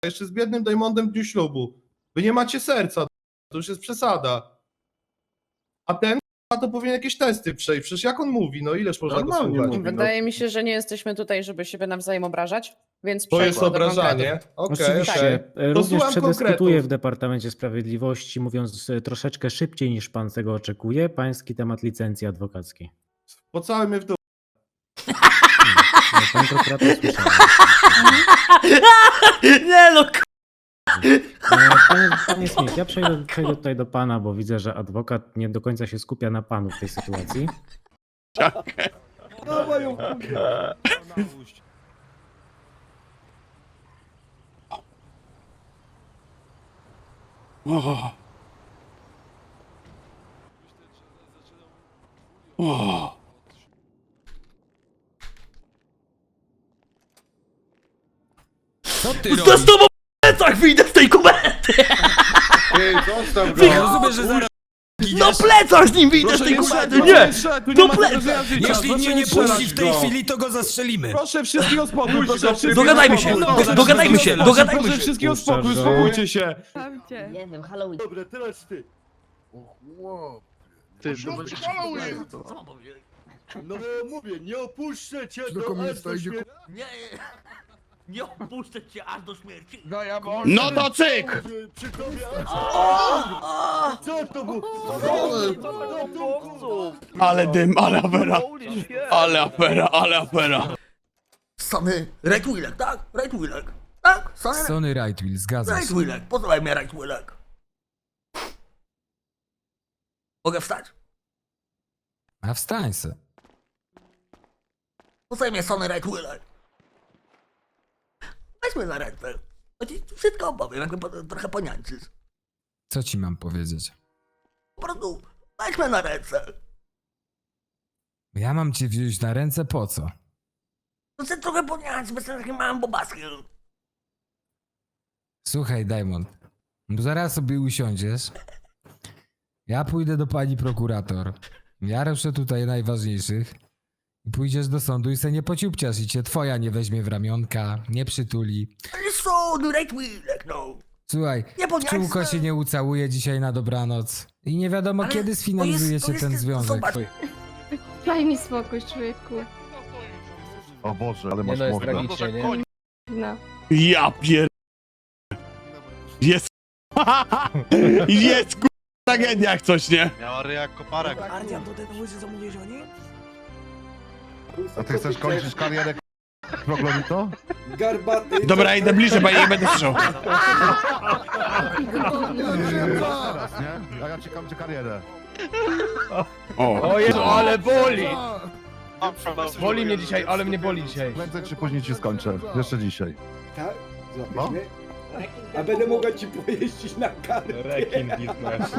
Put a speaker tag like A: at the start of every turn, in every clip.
A: jeszcze z biednym Diamondem w dniu ślubu. Wy nie macie serca, to już jest przesada. A ten to powinien jakieś testy przejść, przecież jak on mówi, no ileż można go słuchać?
B: Wydaje mi się, że nie jesteśmy tutaj, żeby siebie nawzajem obrażać, więc
A: To jest
B: przejdźmy do
A: obrażanie.
B: konkretów.
A: Okej.
C: Oczywiście. Również
A: słucham
C: przedyskutuję
A: konkretów.
C: w Departamencie Sprawiedliwości, mówiąc troszeczkę szybciej niż pan tego oczekuje, pański temat licencji adwokackiej.
A: Pocałuj mnie w dół.
C: Pan prokurator słyszał.
D: Nie no,
C: Panie Smith, ja przejdę tutaj do pana, bo widzę, że adwokat nie do końca się skupia na panu w tej sytuacji.
E: Co ty
D: to
E: robisz?
D: z tobą w plecach wyjdę z tej komendy!
A: Ej, zostaw go.
E: Ja rozumiem, że zaraz
D: Na plecach z nim wyjdę z tej komendy! Nie! Do plecach!
E: jeśli mnie nie puści w tej chwili, to go zastrzelimy.
A: Proszę wszystkich o spokój, proszę wszystkich
D: Dogadajmy
A: o
D: się!
A: spokój.
D: Dogadajmy się! Dogadajmy
A: Proszę
D: się!
A: wszystkich o spokój,
C: Puszczasz go.
A: uspokójcie się.
F: Nie wiem, Halloween.
G: Dobra, teraz ty.
H: Ty,
D: Co mam powiedzieć?
G: No mówię, nie opuszczę cię
H: Do komunista idzie
D: Nie, nie opuszczę cię aż do śmierci!
H: No to cyk!
G: Przy tobie... Co to było?
H: Ale dym, ale afera! Ale afera, ale afera!
D: Sony Right Willek, tak? Right Willek. Tak? Sony
E: Sony Rightwill, zgadza
D: Right
E: się.
D: Willek. Pozwaj mnie Right Willek. Mogę wstać?
E: A wstań se.
D: Pozwaj mnie Sony Right Willek. Weź mnie na ręce. To ci wszystko opowiem, jakby trochę poniańczysz.
E: Co ci mam powiedzieć?
D: Po prostu weź mnie na ręce.
E: Ja mam cię wziąć na ręce po co?
D: To chcę trochę poniańczyć, bez takim małym bobaskiem.
E: Słuchaj, Diamond, bo zaraz sobie usiądziesz. Ja pójdę do pani prokurator. Ja ruszę tutaj najważniejszych. I pójdziesz do sądu i se nie pociupciasz i cię twoja nie weźmie w ramionka, nie przytuli.
D: Ale Sony Right Willek, no.
E: Słuchaj,
D: Nie poniańczysz.
E: czółko się nie ucałuje dzisiaj na dobranoc. I nie wiadomo
D: Ale
E: kiedy
D: to
E: sfinalizuje
D: jest-
E: się
D: to
E: ten
D: jest-
E: związek.
D: zobacz.
F: Daj mi spokój, człowieku.
G: O Boże, ale
I: Nie
G: masz
I: no, jest
G: mordę.
I: tragicznie, nie?
F: No.
H: Ja pier... Jest... Jest tragedia jak coś, nie?
G: Miała ryja koparek.
D: Ardian, to ten łysy zamówiłeś oni?
G: A ty chcesz kończyć karierę Proglomito?
H: Dobra, idę bliżej, bo ja nie będę słyszał.
G: Teraz, nie? A ja ci kończę karierę.
H: O,
I: O Jezu, ale boli! Boli mnie dzisiaj, ale mnie boli dzisiaj.
G: Prędzej czy później ci skończę. Jeszcze dzisiaj.
J: Tak?
G: No.
J: Złapiesz mnie? A będę mogła ci pojeździć na karę.
I: Rekin biznes.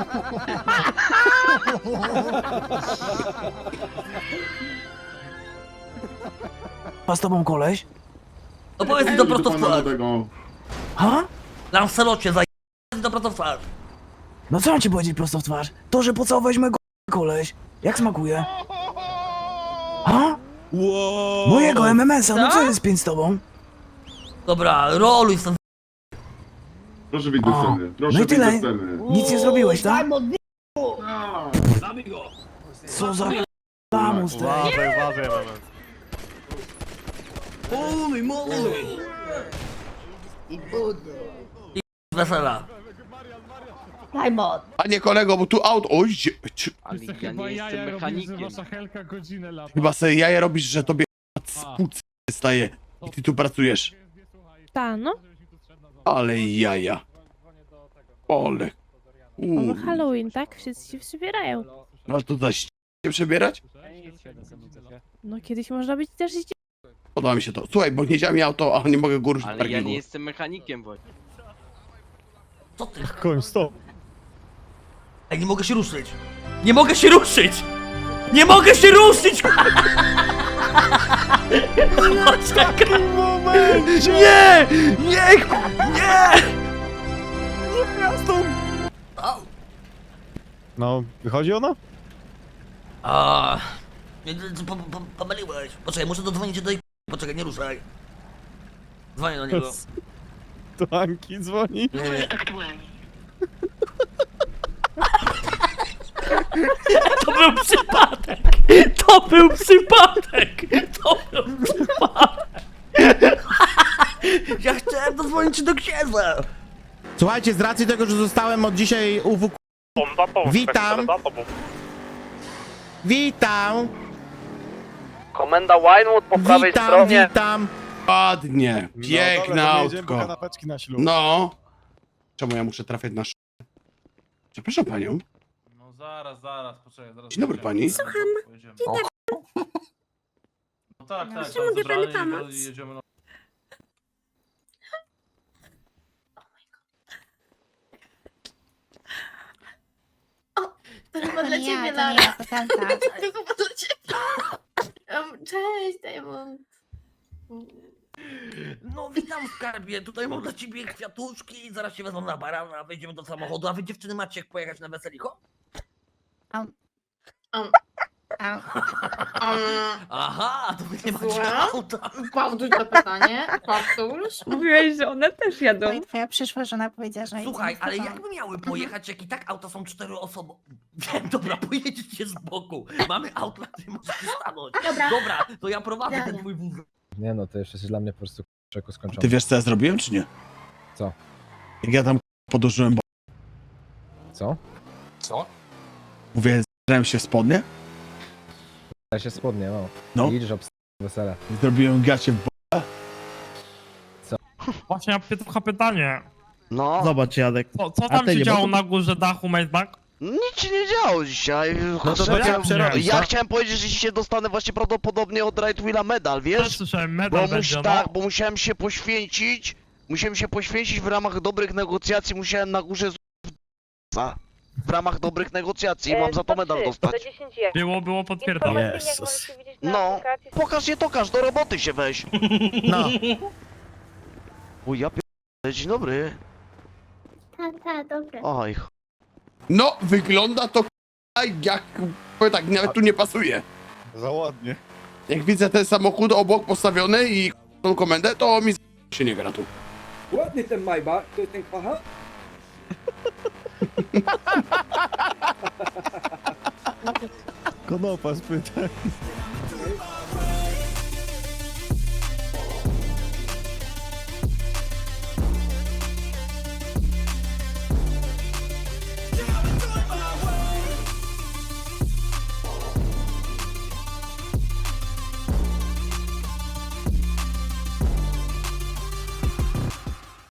J: Ma z tobą koleś?
D: No powiedz mi to prosto w twarz.
J: Ha?
D: Lancelocie, zaj... to prosto w twarz.
J: No co mam ci powiedzieć prosto w twarz? To, że pocałowałeś mojego koleś. Jak smakuje? Ha? Mojego MMS-a, no co jest pięć z tobą?
D: Dobra, roluj stąd.
G: Proszę
J: wyjść do sceny. No i tyle. Nic nie zrobiłeś, tak? Co za lamus ty?
D: Wesela.
F: Diamond.
H: Panie kolego, bo tu aut... Oj,
I: Ja nie jestem mechanikiem.
H: chyba sobie jaja robisz, że tobie spłuc staje i ty tu pracujesz.
F: Ta, no.
H: Ale jaja. Ole.
F: Halloween, tak? Wszyscy się przebierają.
H: No to zaś się przebierać?
F: No kiedyś można być też
H: Podoba mi się to. Słuchaj, bo nie działa mi auto, a nie mogę go ruszyć w parkingu.
I: jestem mechanikiem właśnie.
D: Co ty?
C: Koń, stop.
D: Ej, nie mogę się ruszyć! Nie mogę się ruszyć! Nie mogę się ruszyć! Poczekaj! Nie! Nie! Nie! Au.
C: No, wychodzi ona?
D: A, pomyliłeś. Poczekaj, muszę dodzwonić do tej... Poczekaj, nie ruszaj. Dzwonię do niego.
G: To Anki dzwoni.
D: To był przypadek! To był przypadek! To był przypadek! Ja chciałem dodzwonić do księdza!
H: Słuchajcie, z racji tego, że zostałem od dzisiaj UWK... Witam! Witam!
I: Komenda Winewood po prawej stronie.
H: Witam! Ładnie, piękne autko.
G: kanapeczki na ślub.
H: No. Czemu ja muszę trafiać na Przepraszam panią.
I: No zaraz, poczekaj. Zaraz
H: Dzień dobry pani.
I: Słucham. No tak,
F: Czy mogę panu pomóc?
I: Jedziemy na...
F: To chyba dla ciebie, Lara. To chyba dla ciebie. Cześć, Diamond.
D: No witam skarbie, tutaj mam dla ciebie kwiatuszki, zaraz się wezmą na barana, wejdziemy do samochodu, a wy dziewczyny macie jak pojechać na weseliko? Aha, to wy nie macie
F: Słucham?
D: auta.
F: Powtórz to pytanie. Powtórz.
B: Mówiłeś, że one też jadą.
F: Twoja przyszła żona powiedziała, że...
D: Słuchaj, ale jakby miały pojechać, jak i tak auta są 4 osoby. Wiem, dobra, pojedziecie z boku. Mamy auto, na którym możecie stanąć. Dobra, to ja prowadzę ten twój wóz.
G: Nie no, to jeszcze jest dla mnie po prostu czeku skończone.
H: Ty wiesz co ja zrobiłem, czy nie?
G: Co?
H: Jak ja tam podłożyłem,
G: Co?
H: mówię, zrałem się w spodnie,
G: Ja się spodnie, no.
H: No.
G: I idziesz wesele.
H: zrobiłem gacie w
I: Właśnie ja trochę pytanie.
J: No,
H: Zobacz, Jadek.
I: Co tam się działo na górze dachu Maybach?
J: nic się nie działo dzisiaj.
H: No to trzeba przerobić,
J: Ja
H: tak?
J: chciałem powiedzieć, że dzisiaj dostanę właśnie prawdopodobnie od Right Wheela medal, wiesz?
I: Słyszałem,
J: Bo,
I: medal będzie, no.
J: tak, bo musiałem się poświęcić w ramach dobrych negocjacji, musiałem na górze w ramach dobrych negocjacji i mam za to medal dostać.
I: Było potwierdzone.
A: Jezus.
J: No, pokaż je tokaż, do roboty się weź.
A: No.
J: O ja dzień dobry.
F: Tak, dobra.
J: Oj,
H: No, wygląda to jak... Powiem tak, nawet tu nie pasuje.
G: Za ładnie.
H: Jak widzę ten samochód obok postawiony i tą komendę, to mi się nie gra tu.
K: Ładny ten Maybach, to jest ten kwacha?
G: Konopa spytaj.